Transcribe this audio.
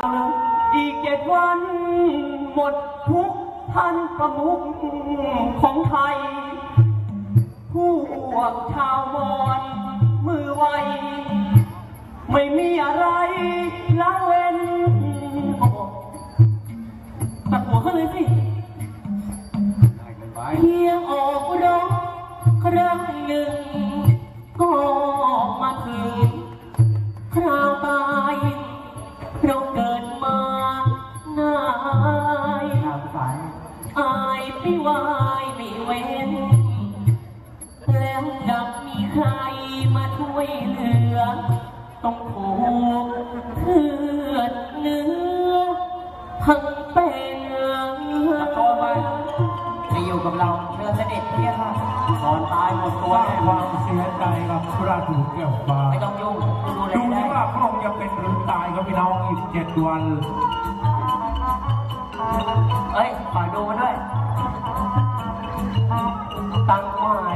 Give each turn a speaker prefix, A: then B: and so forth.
A: อีก7 วันหมดทุกท่านประมุขของไทยพวกชาวมอญมือไวไม่มีอะไรละเว้นตัดหัวเขาเลยสิเพียงออกรบครั้งหนึ่งก็มาถึงคราวตายเราเกิดมาหน้าอายไม่วายไม่เว้นแล้วดับมีใครมาช่วยเหลือต้องถูกเลือดเนื้อทั้งเป็นตะโกนไปจะอยู่กับเราเชิญเสด็จเพี่ยค่ะตอนตายหมดตัว
B: ความเสียใจกับพระถูกแก้วฟ้า
A: ไม่ต้องยุ่งดู
B: ที่ว่าพระองค์จะเป็นหรือตายครับพี่น้องอีก7 วัน
A: เอ้ยขอดูมาด้วยตั้งหมาย